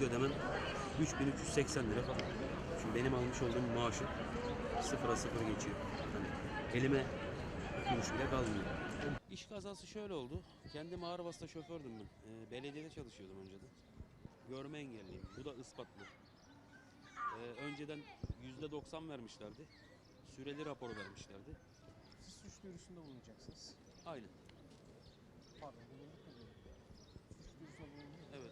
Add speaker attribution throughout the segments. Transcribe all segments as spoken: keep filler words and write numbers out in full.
Speaker 1: ödemem üç bin üç yüz seksen lira falan. Şimdi benim almış olduğum maaşım sıfıra sıfır geçiyor. Yani elime kuruş bile kalmıyor. İş kazası şöyle oldu. Kendim ağır vasıta şofördüm ben. Ee, belediyede çalışıyordum önceden. Görme engelliyim. Bu da ispatlı. Ee, önceden yüzde doksan vermişlerdi. Süreli rapor vermişlerdi.
Speaker 2: Siz suç duyurusunda bulunacaksınız.
Speaker 1: Aynen.
Speaker 2: Pardon, bulunduk mu dedim. Suç duyurusunda bulunduk.
Speaker 1: Evet.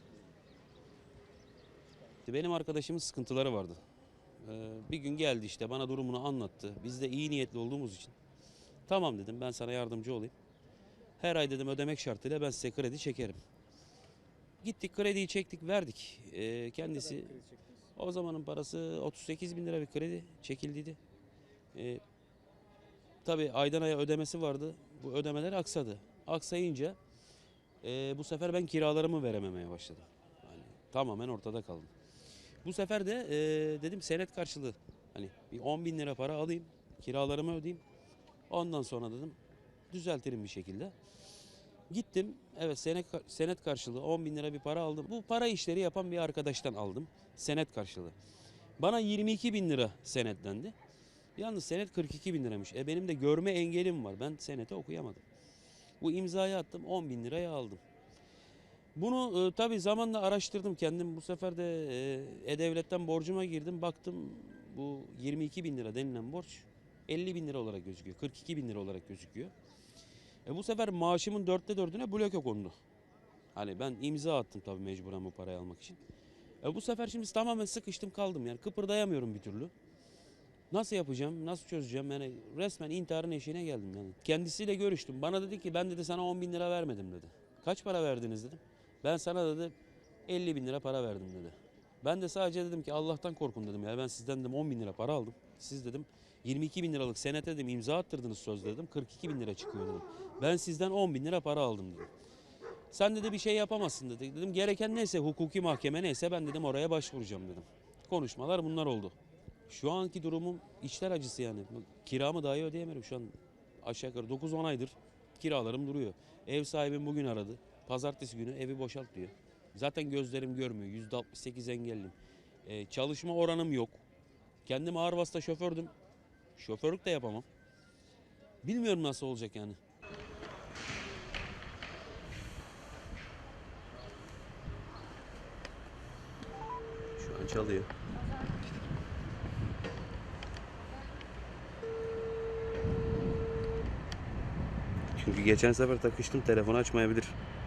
Speaker 1: Benim arkadaşımın sıkıntıları vardı. Ee, bir gün geldi işte bana durumunu anlattı. Biz de iyi niyetli olduğumuz için. Tamam dedim, ben sana yardımcı olayım. Her ay dedim ödemek şartıyla ben size kredi çekerim. Gittik, krediyi çektik, verdik. Ee, kendisi
Speaker 2: Ne kadar kredi çektiniz?
Speaker 1: o zamanın parası otuz sekiz bin lira bir kredi çekildiydi. Ee, tabii aydan aya ödemesi vardı. Bu ödemeler aksadı. Aksayınca e, bu sefer ben kiralarımı verememeye başladım. Yani tamamen ortada kaldım. Bu sefer de e, dedim senet karşılığı hani bir on bin lira para alayım, kiralarımı ödeyeyim. Ondan sonra dedim düzeltirim bir şekilde. Gittim, evet, senet, senet karşılığı on bin lira bir para aldım. Bu para işleri yapan bir arkadaştan aldım senet karşılığı. Bana yirmi iki bin lira senetlendi. Yalnız senet kırk iki bin liramış. E benim de görme engelim var. Ben senete okuyamadım. Bu imzayı attım, on bin liraya aldım. Bunu e, tabii zamanla araştırdım kendim. Bu sefer de e, E-Devlet'ten borcuma girdim. Baktım bu yirmi iki bin lira denilen borç elli bin lira olarak gözüküyor. kırk iki bin lira olarak gözüküyor. E, bu sefer maaşımın dörtte dördüne bloke kondu. Hani ben imza attım tabii mecburen bu parayı almak için. E, bu sefer şimdi tamamen sıkıştım kaldım, yani kıpırdayamıyorum bir türlü. Nasıl yapacağım, nasıl çözeceğim, yani resmen intiharın eşiğine geldim yani. Kendisiyle görüştüm. Bana dedi ki ben dedi sana on bin lira vermedim dedi. Kaç para verdiniz dedim. Ben sana dedi elli bin lira para verdim dedi. Ben de sadece dedim ki Allah'tan korkun dedim ya, ben sizden dedim on bin lira para aldım. Siz dedim yirmi iki bin liralık senete dedim imza attırdınız söz dedim, kırk iki bin lira çıkıyor dedim. Ben sizden on bin lira para aldım dedim. Sen dedi bir şey yapamazsın dedi. Dedim gereken neyse, hukuki mahkeme neyse ben dedim oraya başvuracağım dedim. Konuşmalar bunlar oldu. Şu anki durumum içler acısı yani. Kiramı dahi ödeyemiyorum şu an. Aşağı yukarı dokuz on aydır kiralarım duruyor. Ev sahibim bugün aradı. Pazartesi günü evi boşalt diyor. Zaten gözlerim görmüyor. yüzde altmış sekiz engelliyim. Ee, çalışma oranım yok. Kendim ağır vasıta şofördüm. Şoförlük de yapamam. Bilmiyorum nasıl olacak yani. Şu an çalıyor. Çünkü geçen sefer takıştım, telefonu açmayabilir.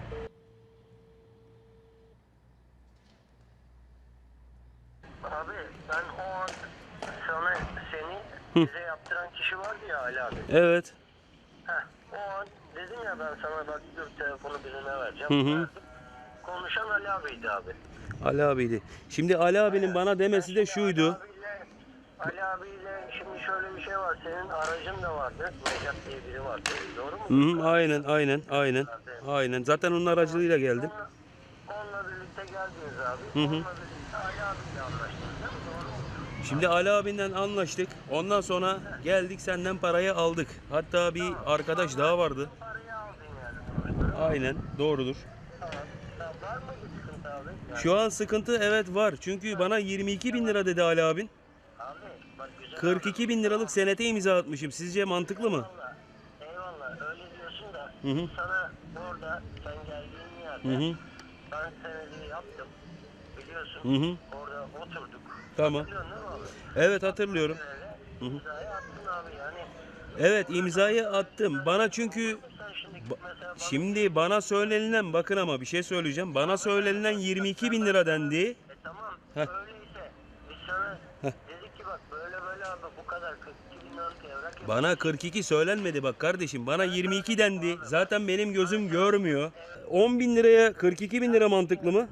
Speaker 3: Abi ben o an sana seni bize yaptıran kişi vardı ya Ali abi.
Speaker 1: Evet.
Speaker 3: Heh, o an dedim ya ben sana bak dur telefonu birine vereceğim.
Speaker 1: Hı hı.
Speaker 3: Verdim. Konuşan Ali abiydi abi.
Speaker 1: Ali abiydi. Şimdi Ali abinin bana demesi de şuydu.
Speaker 3: Ali abiyle, Ali abiyle şimdi şöyle bir şey var. Senin aracın da vardı. Necat diye biri vardı. Doğru mu?
Speaker 1: Hı hı, aynen aynen aynen. Aynen. Zaten onun aracılığıyla geldim.
Speaker 3: Onunla, onunla birlikte geldiniz abi.
Speaker 1: Hı hı.
Speaker 3: Onunla birlikte Ali abiyle anlaştınız değil mi? Doğru mu?
Speaker 1: Şimdi Ali abinden anlaştık. Ondan sonra geldik senden parayı aldık. Hatta bir arkadaş daha vardı.
Speaker 3: Parayı aldın yani.
Speaker 1: Aynen, doğrudur.
Speaker 3: Tamam. Tamam. Var mı bir sıkıntı abi? Yani,
Speaker 1: Şu an sıkıntı evet var. Çünkü bana yirmi iki bin lira dedi Ali abin.
Speaker 3: abi bak güzel.
Speaker 1: kırk iki bin liralık senete imza atmışım. Sizce mantıklı mı?
Speaker 3: Eyvallah. Eyvallah. Öyle diyorsun da
Speaker 1: Hı hı.
Speaker 3: sana orada sen geldiğin yerde
Speaker 1: Hı hı.
Speaker 3: ben senedi yaptım. Biliyorsun.
Speaker 1: Hı hı.
Speaker 3: Orada oturduk.
Speaker 1: Tamam.
Speaker 3: Hatırlıyorsun değil mi abi?
Speaker 1: Evet, hatırlıyorum.
Speaker 3: Öyle imzayı attın abi yani.
Speaker 1: Evet, imzayı attım. Bana çünkü
Speaker 3: Sen şimdi
Speaker 1: Ba-
Speaker 3: mesela bana
Speaker 1: Şimdi bana söylenilen, bakın ama bir şey söyleyeceğim. Bana söylenilen yirmi iki bin lira dendi.
Speaker 3: E tamam
Speaker 1: Heh.
Speaker 3: öyleyse biz sana dedik ki bak böyle böyle abi bu kadar kırk iki bin liralık evrak yap.
Speaker 1: Bana kırk iki söylenmedi bak kardeşim. Bana yirmi iki dendi. Zaten benim gözüm görmüyor. on bin liraya kırk iki bin lira mantıklı mı?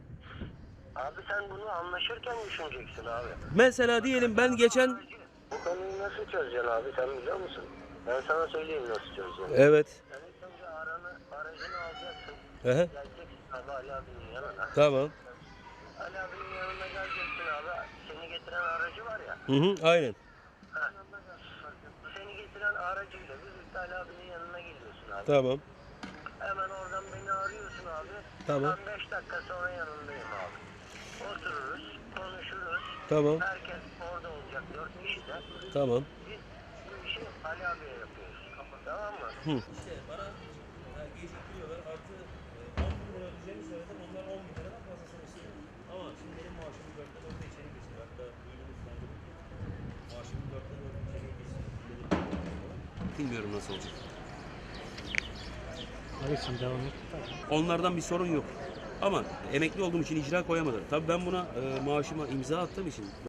Speaker 3: Abi sen bunu anlaşırken düşüneceksin abi.
Speaker 1: Mesela diyelim ben geçen...
Speaker 3: Bu konuyu nasıl çözeceksin abi sen biliyor musun? Ben sana söyleyeyim nasıl çözeceğini.
Speaker 1: Evet.
Speaker 3: Sen ilk önce aranı, aracını alacaksın.
Speaker 1: Hı hı.
Speaker 3: Geleceksin abi Ali abinin yanına.
Speaker 1: Tamam.
Speaker 3: Ali abinin yanına geleceksin abi. Seni getiren aracı var ya.
Speaker 1: Hı hı, aynen.
Speaker 3: Ha. Seni getiren aracıyla birlikte Ali abinin yanına geliyorsun abi.
Speaker 1: Tamam.
Speaker 3: Hemen oradan beni arıyorsun abi.
Speaker 1: Tamam.
Speaker 3: Ben beş dakika sonra yanındayım abi. otururuz, konuşuruz.
Speaker 4: Tamam.
Speaker 3: Herkes orada olacak, dört kişiden.
Speaker 4: Tamam.
Speaker 3: Biz bu işi Ali abiye yapıyoruz. Tamam mı?
Speaker 1: İşte bana e, geciktiriyorlar. Artı e, on bin lira ödeyeceğimi söyledim. Onlar on bin liradan fazlasını istiyor. Ama şimdi benim maaşımın dörtte dörtte içeri geçiyor. Hatta duydunuz sen de. Maaşımın dörtte dörtte içeri geçiyor. Bilmiyorum nasıl olacak.
Speaker 2: Abi sen devam et.
Speaker 1: Onlardan bir sorun yok. Ama emekli olduğum için icra koyamadım. Tabii ben buna e, maaşıma imza attığım için